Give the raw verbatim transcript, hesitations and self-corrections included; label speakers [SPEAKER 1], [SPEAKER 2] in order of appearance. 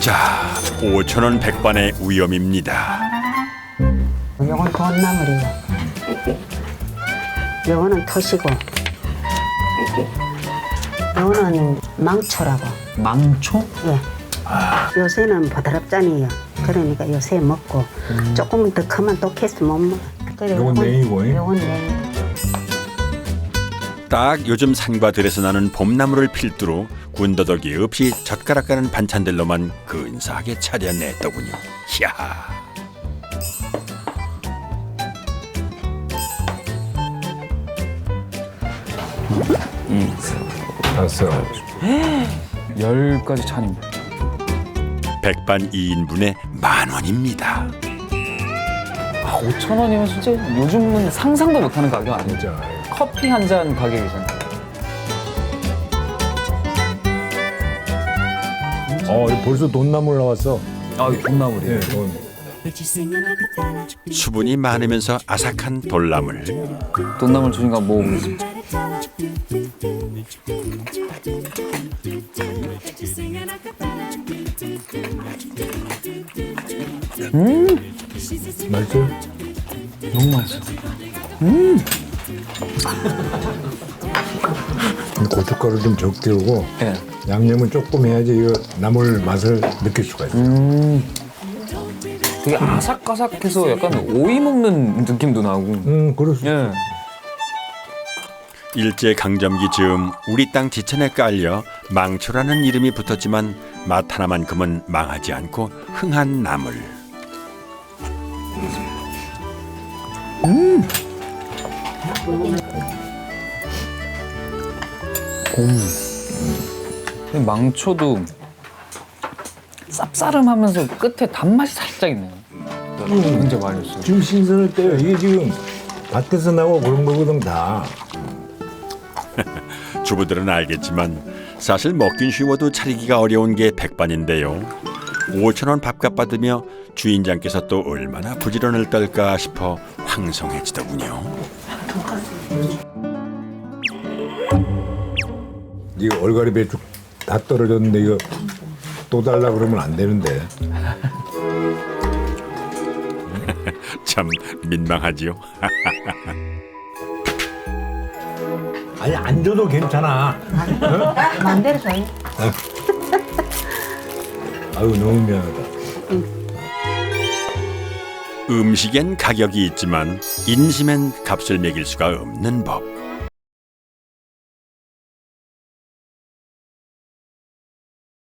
[SPEAKER 1] 자, 오천 원 백반의 위험입니다.
[SPEAKER 2] 요건 돈나물이요. 요거는 토시고. 요거는 망초라고.
[SPEAKER 3] 망초?
[SPEAKER 2] 예. 요새는 보드랍잖아요. 그러니까 요새 먹고 조금 더 크면 또 캐스 못 먹어. 그래,
[SPEAKER 4] 요건 냉이고, 예?
[SPEAKER 2] 요건 냉이.
[SPEAKER 1] 딱 요즘 산과 들에서 나는 봄나물을 필두로 군더더기 없이 젓가락 가는 반찬들로만 근사하게 차려냈더군요. 이야.
[SPEAKER 4] 알았어.
[SPEAKER 3] 열 가지 찬입니다.
[SPEAKER 1] 백반 이 인분에 만 원입니다.
[SPEAKER 3] 아, 오천 원이면 진짜 요즘은 상상도 못하는 가격 아니에요?
[SPEAKER 4] 진짜.
[SPEAKER 3] 커피 한 잔 가격이잖아요.
[SPEAKER 4] 어, 벌써 돈나물 나왔어.
[SPEAKER 3] 아, 이 돈나물이에요.
[SPEAKER 4] 예, 돈.
[SPEAKER 1] 수분이 많으면서 아삭한 돌나물.
[SPEAKER 3] 돈나물 주니까 먹어보겠습니다. 음,
[SPEAKER 4] 맛있어?
[SPEAKER 3] 너무 맛있어.
[SPEAKER 4] 고춧가루 좀 적게 오고
[SPEAKER 3] 예.
[SPEAKER 4] 양념은 조금 해야지 이거 나물 맛을 느낄 수가 있어.
[SPEAKER 3] 음, 되게 아삭아삭해서 약간 오이 먹는 느낌도 나고.
[SPEAKER 4] 음, 그럴 수.
[SPEAKER 3] 예.
[SPEAKER 1] 일제 강점기 즈음 우리 땅 지천에 깔려 망초라는 이름이 붙었지만 맛 하나만큼은 망하지 않고 흥한 나물.
[SPEAKER 3] 이 망초도 쌉싸름하면서 끝에 단맛이 살짝 있네요. 굉장히 맛있어요.
[SPEAKER 4] 지금 신선할 때요. 이게 지금 밭에서 나고 그런 거거든 다.
[SPEAKER 1] 주부들은 알겠지만 사실 먹긴 쉬워도 차리기가 어려운 게 백반인데요. 오천 원 밥값 받으며 주인장께서 또 얼마나 부지런을 떨까 싶어 황송해지더군요.
[SPEAKER 4] 이거 얼갈이 배추 다 떨어졌는데 이거 또 달라 그러면 안 되는데.
[SPEAKER 1] 참 민망하지요.
[SPEAKER 4] 아니 안 줘도 괜찮아.
[SPEAKER 2] 마음대로 줘요.
[SPEAKER 4] 아유 너무 미안하다.
[SPEAKER 1] 음식엔 가격이 있지만 인심엔 값을 매길 수가 없는 법.